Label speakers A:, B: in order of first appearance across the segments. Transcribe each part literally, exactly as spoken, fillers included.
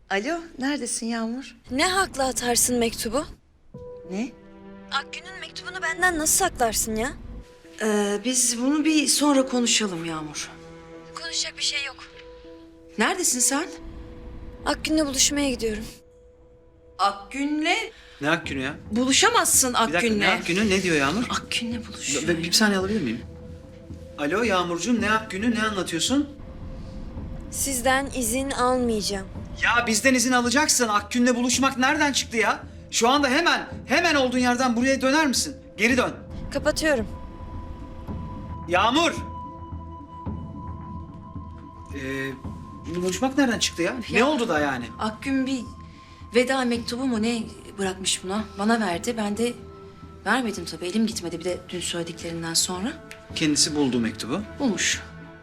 A: Alo, neredesin Yağmur?
B: Ne hakla atarsın mektubu?
A: Ne?
B: Akgün'ün mektubunu benden nasıl saklarsın ya?
A: Ee, biz bunu bir sonra konuşalım Yağmur.
B: Konuşacak bir şey yok.
A: Neredesin sen?
B: Akgün'le buluşmaya gidiyorum.
A: Akgün'le
C: Ne Akgün'ü ya?
A: buluşamazsın
C: Bir dakika,
A: Akgün'le.
C: ne Akgün'ü? Ne diyor Yağmur?
A: Akgün'le buluşuyor.
C: Ve bir saniye alabilir miyim? Alo Yağmurcuğum, ne Akgün'ü, ne anlatıyorsun?
B: Sizden izin almayacağım.
C: Ya bizden izin alacaksın. Akgün'le buluşmak nereden çıktı ya? Şu anda hemen, hemen olduğun yerden buraya döner misin? Geri dön.
B: Kapatıyorum.
C: Yağmur! Ee, buluşmak nereden çıktı ya? Ne
A: Ya-
C: oldu da yani?
A: Akgün bir veda mektubu mu ne bırakmış buna? Bana verdi. Ben de vermedim tabii. Elim gitmedi bir de dün söylediklerinden sonra.
C: Kendisi buldu mektubu.
A: Bulmuş.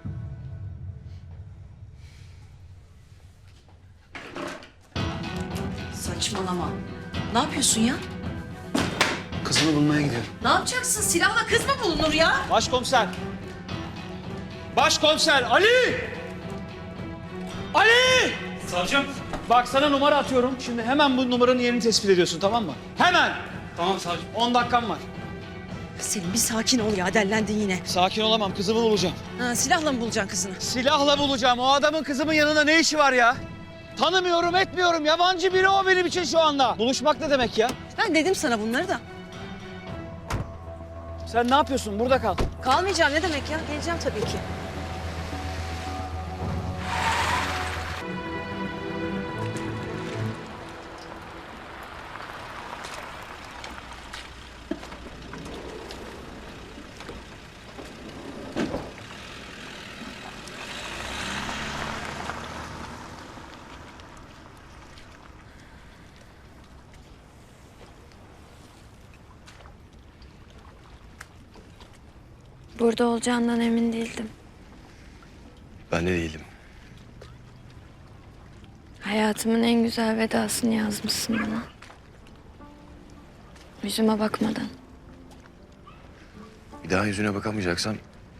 A: Saçmalama. Ne yapıyorsun ya?
C: Kızını bulmaya gidiyorum.
A: Ne yapacaksın? Silahla kız mı bulunur ya?
C: Başkomiser! Başkomiser Ali! Ali!
D: Savcım.
C: Bak sana numara atıyorum. Şimdi hemen bu numaranın yerini tespit ediyorsun, tamam mı? Hemen!
D: Tamam savcım.
C: On dakikam var.
E: Selim bir sakin ol ya, dellendin yine.
C: Sakin olamam, kızımı bulacağım.
E: Ha, silahla mı bulacaksın kızını?
C: Silahla bulacağım. O adamın kızımın yanında ne işi var ya? Tanımıyorum, etmiyorum. Yabancı biri o benim için şu anda. Buluşmak ne demek ya?
E: Ben dedim sana bunları da.
C: Sen ne yapıyorsun? Burada kal.
E: Kalmayacağım ne demek ya? Geleceğim tabii ki.
B: Burada olacağından emin değildim.
F: Ben de değilim.
B: Hayatımın en güzel vedasını yazmışsın bana. Yüzüme bakmadan.
F: Bir daha yüzüne bakamayacaksam...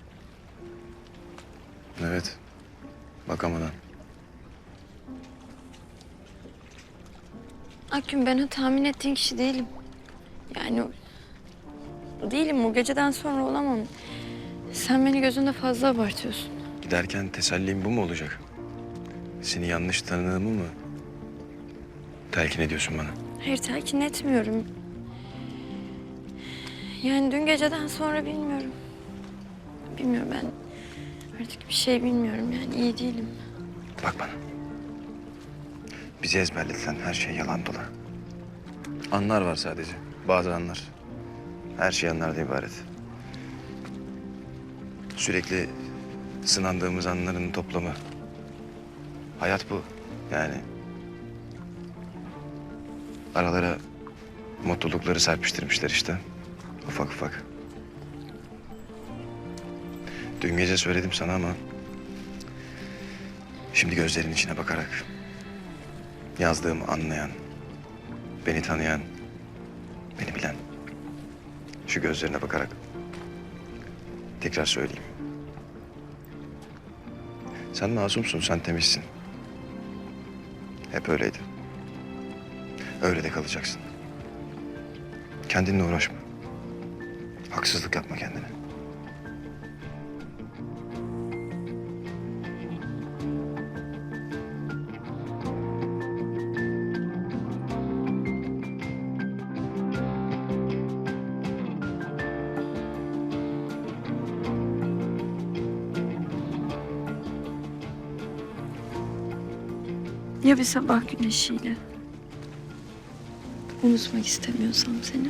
F: Evet, bakamadan.
B: Akgün, ben o tahmin ettiğin kişi değilim. Yani değilim, o geceden sonra olamam. Sen beni gözünde fazla abartıyorsun.
F: Giderken tesellim bu mu olacak? Seni yanlış tanıdığımı mı telkin ediyorsun bana?
B: Hayır, telkin etmiyorum. Yani dün geceden sonra bilmiyorum. Bilmiyorum, ben artık bir şey bilmiyorum, yani iyi değilim.
F: Bak bana. Bizi ezberletilen her şey yalan dolan. Anlar var sadece. Bazı anlar. Her şey anlardan ibaret. Sürekli sınandığımız anların toplamı. Hayat bu. Yani aralara mutlulukları serpiştirmişler işte. Ufak ufak. Dün gece söyledim sana ama... şimdi gözlerin içine bakarak... yazdığımı anlayan... beni tanıyan... beni bilen... şu gözlerine bakarak... tekrar söyleyeyim. Sen masumsun, sen temizsin. Hep öyleydi. Öyle de kalacaksın. Kendinle uğraşma. Haksızlık yapma kendine.
B: Ya bir sabah güneşiyle? Unutmak istemiyorsam seni.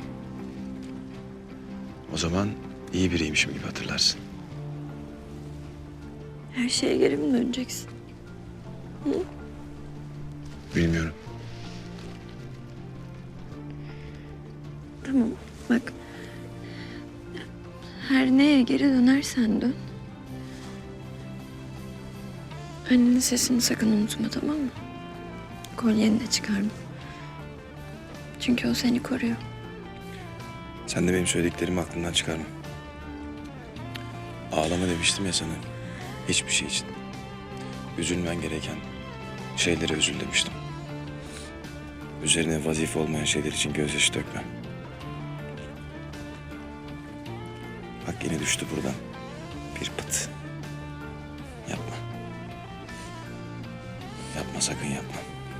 F: O zaman iyi biriymişim gibi hatırlarsın.
B: Her şeye geri mi döneceksin?
F: Bilmiyorum.
B: Tamam, bak. Her neye geri dönersen dön. Annenin sesini sakın unutma, tamam mı? Kolyeni de çıkarma. Çünkü o seni koruyor.
F: Sen de benim söylediklerimi aklından çıkarma. Ağlama demiştim ya sana. Hiçbir şey için. Üzülmen gereken Şeylere üzül demiştim. Üzerine vazife olmayan şeyler için gözyaşı dökme. Bak yine düştü buradan. Bir pıt. Yapma. Yapma, sakın yapma.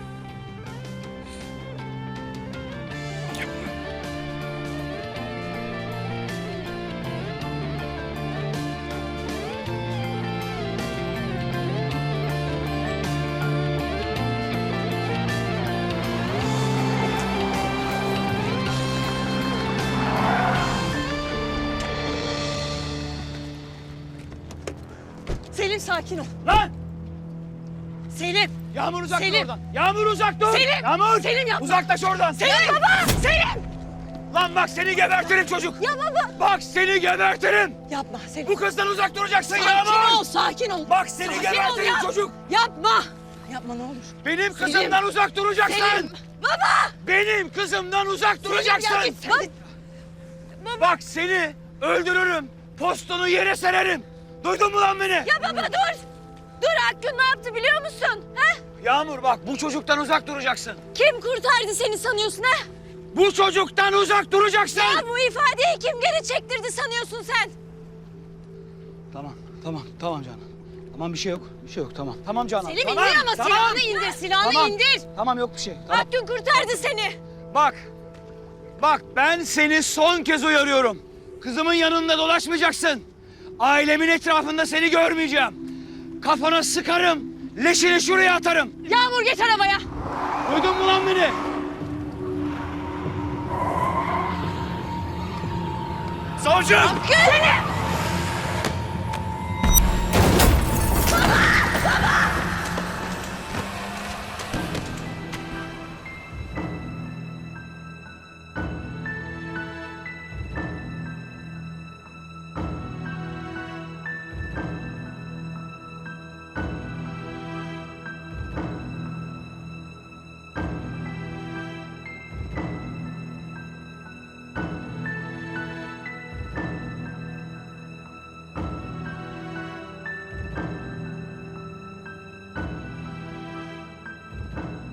F: Yapma.
E: Selim sakin ol.
C: Lan!
E: Selim.
C: Yağmur uzak dur
E: Selim.
C: oradan. Yağmur uzak dur.
E: Selim.
C: Yağmur.
E: Selim yapma.
C: Uzaklaş oradan.
E: Selim. Baba. Selim.
C: Lan bak seni gebertirim çocuk.
E: Ya baba.
C: Bak seni gebertirim.
E: Yapma Selim.
C: Bu kızdan uzak duracaksın
E: Sakin
C: Yağmur.
E: ol, sakin ol.
C: Bak seni
E: Sakin
C: gebertirim
E: ol ya.
C: çocuk.
E: Yapma. Yapma ne olur.
C: Benim
E: Selim.
C: kızımdan uzak duracaksın.
E: Selim. Baba.
C: Benim kızımdan uzak duracaksın.
E: ya git. Bak.
C: Bak seni öldürürüm. Postunu yere sererim. Duydun mu lan beni?
B: Ya baba dur. Dur, Akgün ne yaptı biliyor musun? Ha?
C: Yağmur bak bu çocuktan uzak duracaksın.
B: Kim kurtardı seni sanıyorsun ha?
C: Bu çocuktan uzak duracaksın.
B: Ya bu ifadeyi kim geri çektirdi sanıyorsun sen?
C: Tamam, tamam, tamam Canan. Tamam bir şey yok, bir şey yok tamam. Tamam Canan.
E: Selim
C: tamam,
E: indir ama
C: tamam.
E: silahını indir, silahını
C: Tamam,
E: indir.
C: Tamam yok bir şey. Tamam.
B: Akgün kurtardı seni.
C: Bak, bak ben seni son kez uyarıyorum. Kızımın yanında dolaşmayacaksın. Ailemin etrafında seni görmeyeceğim. Kafana sıkarım, leşini şuraya atarım.
E: Yağmur geç arabaya.
C: Duydun mu lan beni? Savcım!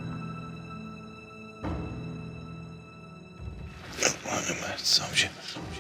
F: Yapma Ömer savcı.